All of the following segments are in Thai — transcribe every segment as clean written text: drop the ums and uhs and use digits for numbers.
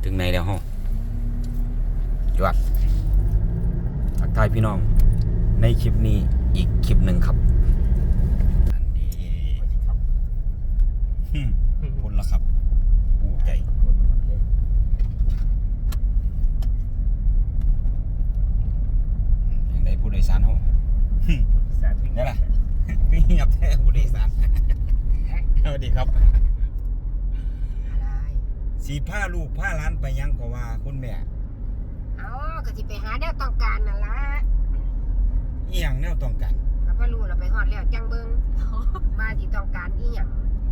ถึงไหนแล้วฮะจวดทักทายพี่น้องในคลิปนี้อีกคลิปหนึ่งครับอันนี้พ้นแล้วครับปูใจอย่างไรผู้โดยสารห้องนี่แหละพี่เงียบแท้ผู้โดยสารสวัสดีครับสีผ้าลูกผ้าร้านไปยังก็ว่าคุณแม่เอาก็สิไปหาแนวต้องการนั่นล่ะอีหยังแนวต้องการก็บ่รู้เราไปฮอดแล้วจังเบิ่งว่าสิต้องการอีหยัง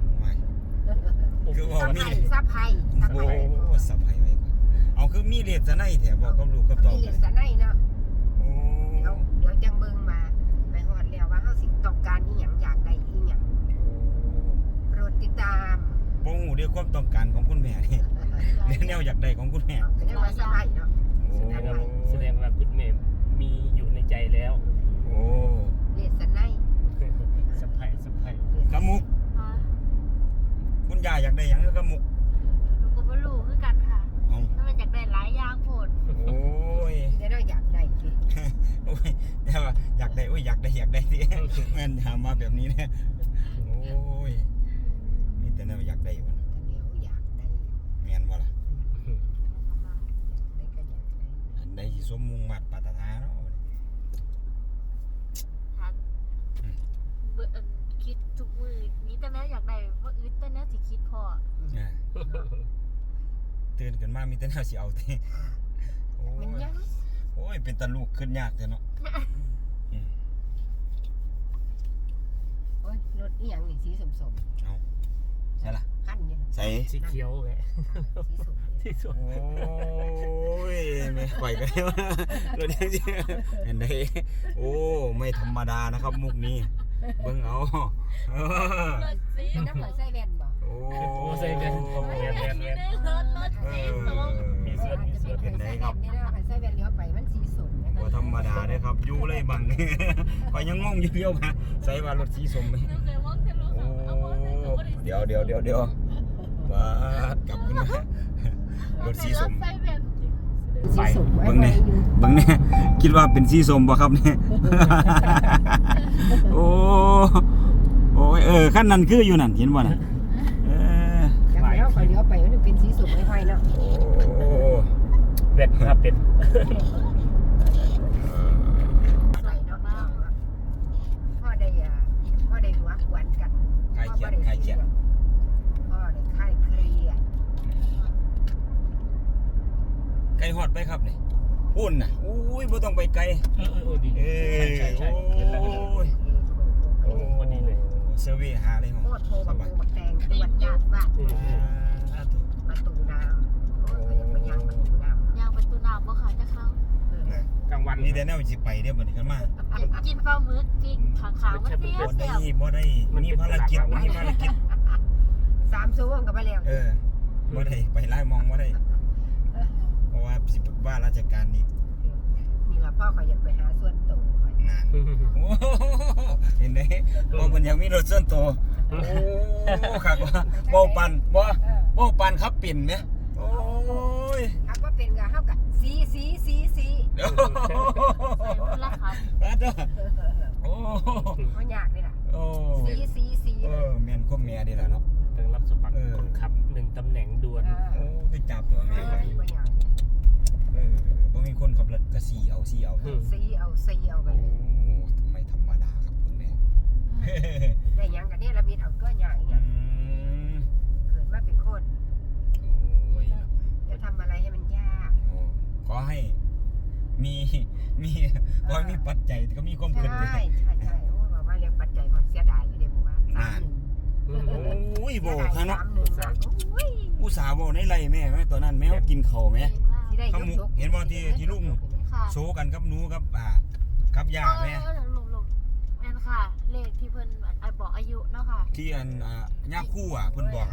คือว่ามีซับไผโอ้สับไผไว้ก่อนเอาคือมีเลสไนแถวบอกกับลูกกับต่อมีเลสไนเนาะโอ้เดี๋ยวจังเบิ่งมาไปฮอดแล้วว่าเฮาสิต้องการอีหยังอยากได้อีหยังโปรดติดตามบ่ฮู้เรื่องความต้องการของคุณแม่นี่แนวอยากได้ของคุณแม่ก็ยังว่าซับไผเนาะแสดงว่าคุณแม่มีอยู่ในใจแล้วโอ้เลสไนสะไพกะมุกคุณยายอยากได้หยังกะมุกหนูก็บ่รู้คือกันค่ะถ้ามันอยากได้หลายอย่างโพดโอ้ยเดี๋ยวเราอยากได้สิโอ้ยแต่ว่าอยากได้โอ้ยอยากได้สิแม่นถามมาแบบนี้เนี่ยโอ้ยมีแต่แนวอยากได้บ่เดี๋ยวอยากได้แม่นบ่ล่ะได้ก็อยากได้อันใดสิสมมุ่งมั่นปรารถนาเนาะคิดทุกมื้อมีแต่แม่อยากได้บ่อึดแต่แน่สิคิดพอตื่นขึ้นมามีแต่แนวสิเอาติโอ้ยโอ้ยเป็นตาลูกขึ้นยากแท้เนาะโอ้ยรถอีหยังนี่สีส้มๆเอาใช่ล่ะคันนี่ใส่สีเขียวไงสีส้มโอ้ยแม่ข่อยก็ได้ว่ารถจังซี่เห็นได้โอ้ไม่ธรรมดานะครับมุกนี้เบิ่งเอารถสีน้ำเหลือใส่แว่นบ่โอ้ใส่แว่นรถสีส้มมีส่วนเห็นได้ครับนี่นะใส่แว่นเลี้ยวไปมันสีส้มบ่ธรรมดาเด้ครับอยู่เลยบังข่อยยังงงอยู่เดียวมาใส่ว่ารถสีส้มมั้ยโอ้เดี๋ยวว่ากลับขึ้นมารถสีส้มสีส้มเบิ่งเนี่ยคิดว่าเป็นสีส้มบ่ครับเนี่ยโอ้ยคันนั้นคืออยู่นั่นเห็นบ่น่ะจังแล้วข่อยเลี้ยวไปมันเป็นสีส้มไฟเนาะโอ้เวทครับเป็นใส่เนาะพ่อได้หัวขวนกันใครเขียนพ่อได้คลายเครียดไกลฮอดไปครับนี่พุ่นน่ะอุ้ยบ่ต้องไปไกลดีใช่โอ้ดีเลยเซอร์เวย์หาเลยโคตรโทรบักแตงตรวจญาติบ้านประตูน้ำโอ้ยยังไปย่างประตูน้ำย่างประตูน้ำบ่ค่ะจะเข้ากลางวันนี่แต่แนวสิไปเด้อบัดนี้กันมากินปลาหมึกปิ้งขาวๆมันเปรี้ยวแซ่บบ่ได้มีภารกิจ 3 ชั่วโมงก็ไปแล้วบ่ได้ไปหลายมองบ่ได้เพราะว่าสิว่าราชการนี่ล่ะพ่อเขาอยากไปหาส่วนตัวนั่นโอ้เห็นได้บ่เพิ่นอยากมีรถส่วนตัวโอ้คักว่าบ่ปันขับเป็นแหมโอ้ยครับว่าเป็นก็เฮาก็สีละครับโอ้บ่ยากเลยล่ะโอ้สีแม่นคมแม่ดีล่ะเนาะต้องรับสมัครคนขับ1ตำแหน่งด่วนโอ้คือจับตัวแม่บ่ยากบ่มีคนขับรถก็สีเอาไปเลยไม่ธรรมดาครับคุณแม่ได้หยังกันนี่ละมีเอาตัวใหญ่เนี่ยเกิดมาเป็นคนโอ้ยจะทำอะไรให้มันยากขอให้มีขอให้มีปัจจัยก็มีความคิดใช่โอ้ว่ามาเรียกปัจจัยก่อนเสียดายอยู่เด้ผมว่าโอ้ยโบข้างเนาะอุตส่าห์โบในไรแม่ตอนนั้นแม่กินเข่าแม่ข้ามุกเห็นบ่ที่ลุงโชว์กันกับหนูกับย่าแม่แม่นค่ะเลขที่เพิ่นบอกอายุเนาะค่ะที่ย่าคู่เพิ่นบอก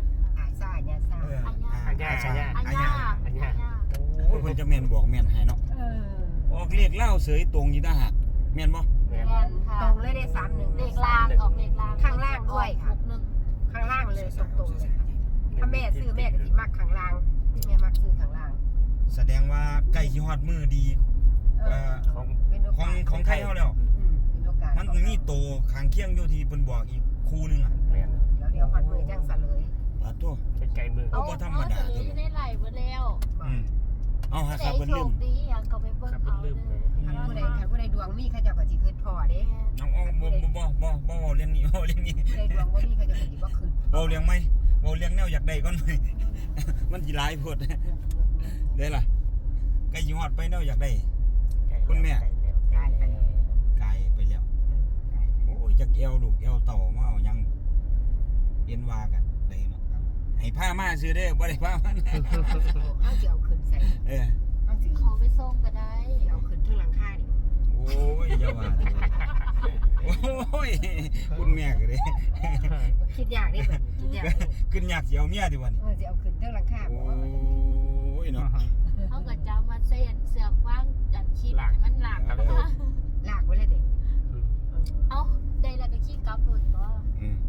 อาญาโอ้ยเพิ่นจะแม่นบอกแม่นให้เนาะออกเลขเล่าเสยตรงอยู่ตาหักแม่นบ่แม่นค่ะตรงเลยได้31 เลขล่างออกเลขล่างข้างล่างด้วยค่ะข้างล่างเลยตรงเลยถ้าแม่ซื้อแม่ก็สิมักข้างล่างแม่มักซื้อข้างล่างแสดงว่าใกล้สิฮอดมือดีเป็นโอกาสของไทยเฮาแล้วเป็นโอกาสมันมีโตข้างเคียงอยู่ที่เพิ่นบอกอีกคู่นึงอ่ะแม่นเดี๋ยวฮอดมือจังซะเลยปาตัวไกลๆมือโอ้บ่ธรรมดาเอตัวอยู่ในไหลเบิดแล้วอืมเอาหาแต่ครับเพิ่นโชลืคมดีอย่างก็ไปเบิ่งเอาเด้อคันผู้ใดดวงมีเขาเจ้าก็สิขึ้นพ่อเด้น้องบ่เว้าเรื่องนี้เว้าเรื่องนี้ผู้ใดดวงบ่มีเขาเจ้าก็สิบ่ขึ้นเว้าเรื่องไหมเว้าเรื่องแนวอยากได้ก่อนไหม มันสิหลายโพดได้ล่ะใกล้สิฮอดไปแนวอยากได้ คุณแม่กลายไปแล้วไกลไปแล้วโอ้ยจักแอวลูกแอวเต่ามาเอาหยังเอ็นว่ากันได้เนาะให้พามาซื้อเด้อบ่ได้พามาเฮาสิเอาขึ้นใส่เออเฮาสิเขาไปส่งก็ได้เอาขึ้นถึงหลังคาดิโอ้ยอย่าว่าโอ้ยคุณแม่ก็เด้คิดยากเด้บัดนี้คิดยากเด้ขึ้นยากสิเอาเมียดิวันนี้สิเอาขึ้นถึงหลังคาโอ้บ่ยเนาะเขาก็จะมาเส้นเสือกว่างจันคิดให้มันหลักครับลากไว้เลยเด้เอ้าได้แล้วก็ขี้กลับรถบ่อืม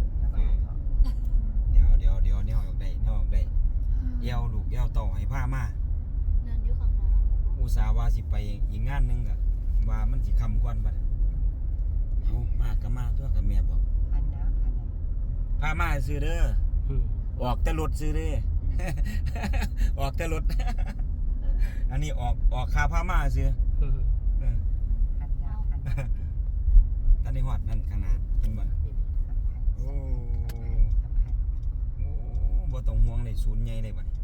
เดี๋ยวแนวอยากได้แนวอยากได้แอวลูกแอวเต่าให้พามานั่นอยู่ข้างหน้าอุตส่าห์ว่าสิไปอีกงานหนึงก็ว่ามันสิค่ำก่อนบัดเอามาก็มาตัวกับแม่บอกพันนะพันนะพามาซื้อเด้อออกแต่รถซื้อเด้อ ออกแต่รถ อันนี้ออกค่าพามาซื้อเออพันนะพันนะตอนนี้ฮอดนั่นข้างหน้าเห็นบ่โอ้โอ้บ่ต้องห่วงเลยศูนย์ใหญ่เลยบัดนี้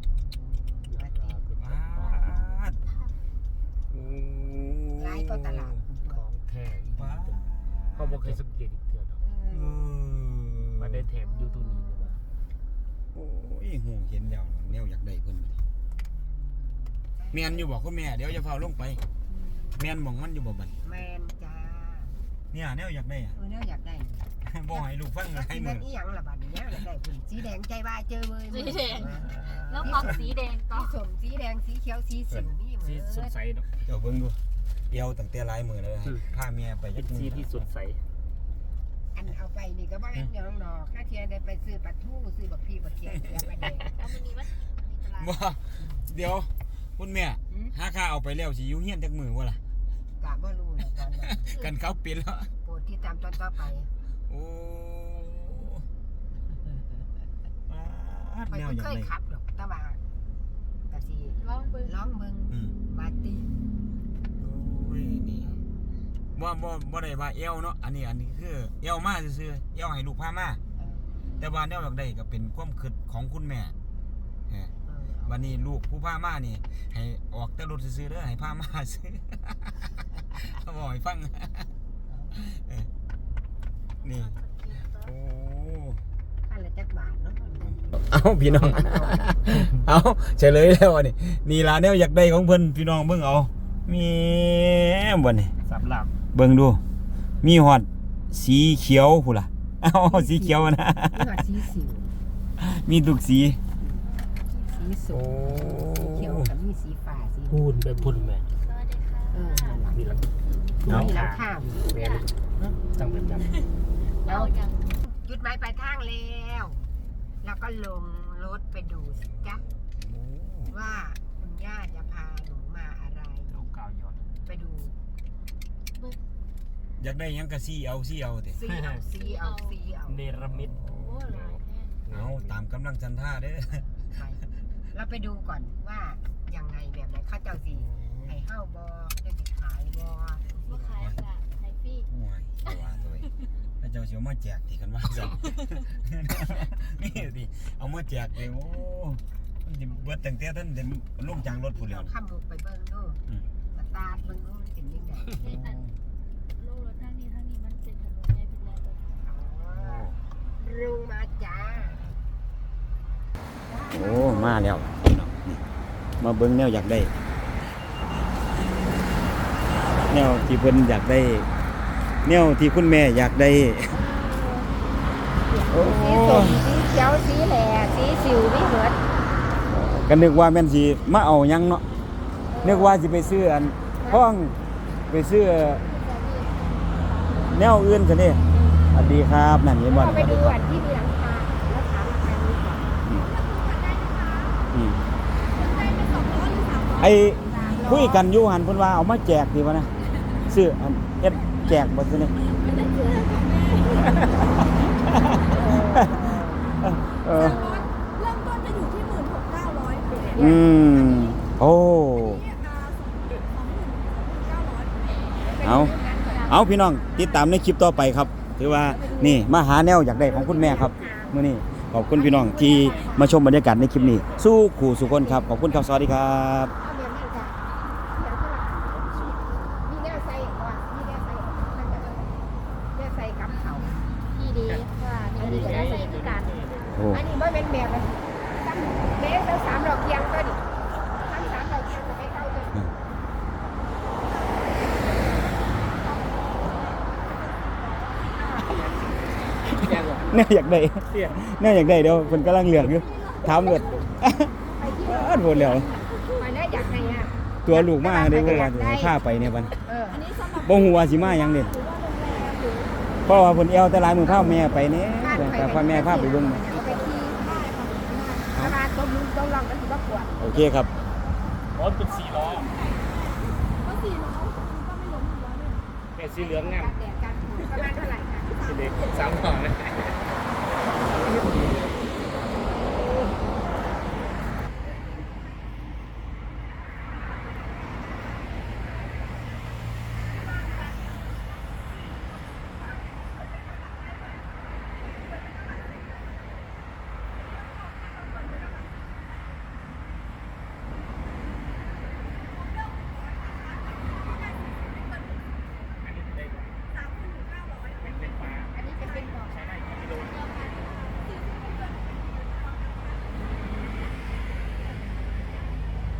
ปาดโอ้หลายก็ตลาดของแท้อีกปาดเขาบ่เคยสังเกตอีกเทื่อดอกเออมาได้แถมอยู่ตัวนี้เลยว่าโอ้ยหูเห็นแล้วแนวอยากได้เพิ่นบัดนี้แม่นอยู่บ่คุณแม่เดี๋ยวจะเฝ้าลงไปแม่นหม่องมันอยู่บ่บัดนี้แมนจ้าเนี่ยแนวอยากได้อะเนี่ยอยากได้บ่ให้ลูกฟังให้สีมืแดองอีหยังล่ะบัดนี้อยากได้ผุ่นสีแดงใจบ้าเจอมือสีแดงแล้วมักสีแดงต่อสีส้มสีแดงสีเขียวสีสิวนี่เหมืสีอนสดใสเนาะเดี๋ยวเบิ่งดูเอวตั้งแต่หลายมื้อแล้วให้พาเมียไปเป็จันกมื้สีอที่สดใสอันเอาไปนี่ก็บ่เห็นหยังดอกถ้าเทียนได้ไปซื้อปลาทูซื้อบักพีบักเขียเสียไปแดงเอามื้อนี้มันมีตลาดบ่เดี๋ยวคุณแม่หาค่าเอาไปแล้วสิอยู่เฮียนจักมื้อบ่ล่ะกะบ่รู้นะตอนนั้นกันเขาปิดแล้วโปรดที่ตามตอนต่อไปโอ้ปาดไปแนวบ่อยาเคกยได้ขับหรอกแต่ว่ากะสิลองเบิ่งร้องเบิ่งอืมมาตีโอ้ยนี่บ่ได้ว่าเอวเนาะอันนี้คือเอวมาซื่อๆเอวให้ลูกพามาแต่ว่าแนวอยากได้ก็เป็นความคิดของคุณแม่เออวันนี้ลูกผู้พามานี่ให้ออกแต่รถซื้อๆเด้อให้พามาซื้อ เขาบอกให้ฟัง เออนี่โอ้อันละจักบาทเนาะเอาพี่น้อง เอาเฉลยแล้วอันนี้นี่ล่ะแนวอยากได้ของเพิ่นพี่น้องเบิ่งเอามีบ่นี่สำหรับเบิ่งดู มีฮอดสีเขียวพุ่นล่ะเอ้าสีเขียวนะนี่ว่าสีสิวมีทุกสีสีส้มสีเขียวกับมีสีฟ้าสีพูนแบบพุ่นแม่สวัสดีค่ะมีหลังมีหลังคาแม่จังเป็นจังเอาอย่างจุดหมายปลายทางแล้วแล้วก็ลงรถไปดูสิจ๊ะว่าคุณย่าจะพาหนูมาอะไรโลกาวย้อนไปดูอยากได้หยังก็สีเอาติซีเอาซีเอาซีเอาเนรมิตโอ้หลายแท้เอาตามกำลังจันท่าเด้อไปเราไปดูก่อนว่ายังไงแบบไหนเข้าเจ้าสีให้เฮ้าบอเจ้าสิขายบอบ่ขายค่ะขายฟรีโอ้ยเอาว่าตัวเองแล้วเจ้าสิเอามาแจกติกันว่าซั่น นี่ดิเอามาแจกเลยโอ้มันสิเบิดตั้งแต่ท่านเดินลงจากรถพุ่นแล้วเราข้ามลูกไปเบิ้งดูสตาร์ทเบิ้งดูมันเป็นยังไงในอันโลกรถทางนี้มันเป็นถนนใหญ่เป็นแลนด์รถลุงมาจ้าโอ้มาแล้วพี่น้องนี่มาเบิ่งแนวอยากได้ แนวที่เพิ่นอยากได้ แนวที่คุณแม่อยากได้โอ้สีส้มสีเขียวสีแหล่สีสิวไม่เหมือนก็นึกว่าแม่นสิมาเอาหยังเนาะนึกว่าสิไปซื้ออันห้องไปซื้อแนวอื่นซะนี่สวัสดีครับนั่นเห็นบ่เราไปดูอันที่มีหลังคาแล้วถามราคานี้ก่อนอืมไอ้คุยกันอยู่หันเพิ่นว่าเอามาแจกดีวะนะซื้ออันเฮ็ดแจกบ่ซื่อนี่เออเริ่มต้นจะอยู่ที่16,900 อืมโอ้เอาพี่น้องติดตามในคลิปต่อไปครับถือว่านี่มาหาแนวอยากได้ของคุณแม่ครับมื้อนี้ขอบคุณพี่น้องที่มาชมบรรยากาศในคลิปนี้สู้ขู่สุคนครับขอบคุณครับสวัสดีครับเอาแบบนั้นจ้ะเดี๋ยวที่หลังมีแนวใส่ก่อนมีแนวใส่มันจะแนวใส่กับเขาดีดีว่านี่ดีก็ได้ใส่คือกันโอ้อันนี้บ่เป็นแบบนั้นตั้งเมตรตั้ง3ดอกเคียงก็ดิตั้ง3ดอกเคียงก็ไม่เข้าเลยเนี่ยอยากได้เนี่ยอยากได้เดี๋ยวเพิ่นกำลังเลือกอยู่ถามเบิดโหดแล้วไปได้อยากให้อ่ะตัวลูกมาได้บ่ว่าจะให้พาไปเนี่ยบัดเออบ่ฮู้ว่าสิมาหยังเด้เพราะว่าเพิ่นแอวแต่หลายมื้อพาแม่ไปแหน่แต่พาแม่พาไปเบิ่งเอาไปขี่ถ้ามาต้มลุงต้องลองกันสิว่าปวดโอเคครับรถเป็น4 ล้อก็4ล้อก็ไม่ล้มอยู่แล้วเนี่ยเป็นสีเหลืองงามการแดดการฝนประมาณเท่าไหร่คะสีเหลือง3 ล้อนะ